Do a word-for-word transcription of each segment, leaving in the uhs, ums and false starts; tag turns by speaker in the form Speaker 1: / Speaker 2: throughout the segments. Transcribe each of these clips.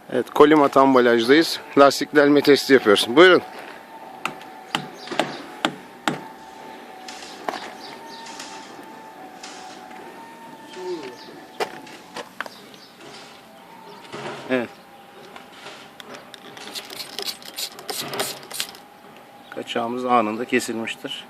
Speaker 1: Evet, Kolimat ambalajdayız. Lastik delme testi yapıyoruz. Buyurun. Evet. Kaçağımız anında kesilmiştir.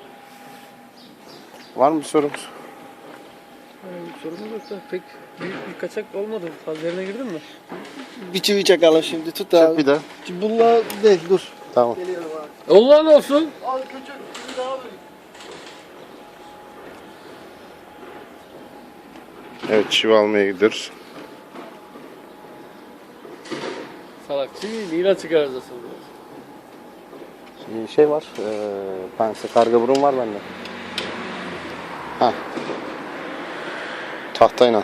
Speaker 1: Var mı bir sorumuz?
Speaker 2: Yani sorun yok da pek büyük bir kaçak olmadı. Fazla yerine girdin mi?
Speaker 3: Bir çivi çakalım şimdi, tut
Speaker 1: Çak
Speaker 3: abi.
Speaker 1: bir daha.
Speaker 3: Bununla değil, dur.
Speaker 1: Tamam.
Speaker 3: Geliyorum abi.
Speaker 2: Allah'ın olsun.
Speaker 3: Al küçük, bir daha abi.
Speaker 1: Evet, çivi almaya gidiyoruz.
Speaker 2: Salak. Şimdi ilan çıkaracağız.
Speaker 1: Şimdi şey var, ee, pense karga burun var bende. Ha. Tahtayla.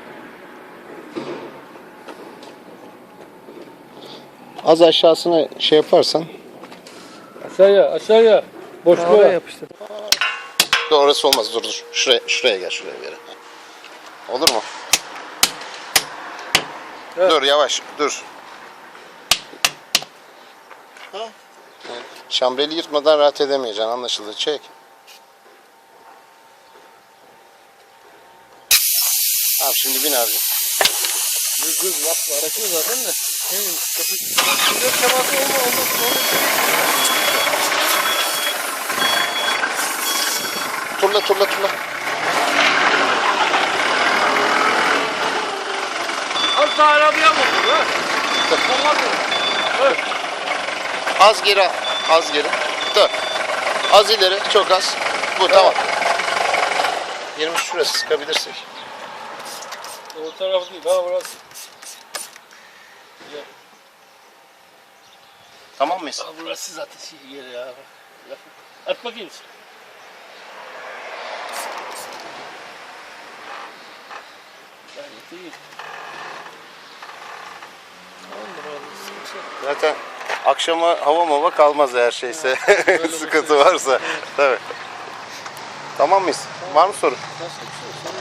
Speaker 1: Az aşağısına şey yaparsan.
Speaker 2: Aşağıya, aşağıya. Boşluğa
Speaker 3: Oraya
Speaker 2: yap.
Speaker 3: yapıştır.
Speaker 1: Dur, orası olmaz, dur dur. Şuraya, şuraya gel, şuraya gel. Olur mu?
Speaker 2: Evet.
Speaker 1: Dur, yavaş, dur.
Speaker 3: Ha?
Speaker 1: Şambreli yırtmadan rahat edemeyeceksin, anlaşıldı. Çek. Tamam, şimdi bin abi.
Speaker 2: Dur dur yapma. Araçını zaten de. Senin kapı... Sıcak teması olma olmaz.
Speaker 1: Turla, turla, turla.
Speaker 2: Az daha arabaya mı olur ha? Olmaz mı? Evet.
Speaker 1: Az geri, al, az geri. Dur. Az ileri, çok az. Bu, tamam. yirmi şurası sıkabilirsek.
Speaker 2: O taraf değil. Ha burası. Güzel.
Speaker 1: Tamam mıyız?
Speaker 2: Ha burası zaten şey yeri ya. At bakayım. Gayet iyi. Tamamdır abi. Sıkıntı yok.
Speaker 1: Zaten akşama hava mava kalmaz eğer şeyse.
Speaker 2: Böyle
Speaker 1: Sıkıntı
Speaker 2: bir şey.
Speaker 1: varsa. Tabii. Tamam mıyız? Var mı soru?
Speaker 2: Başka bir şey yok.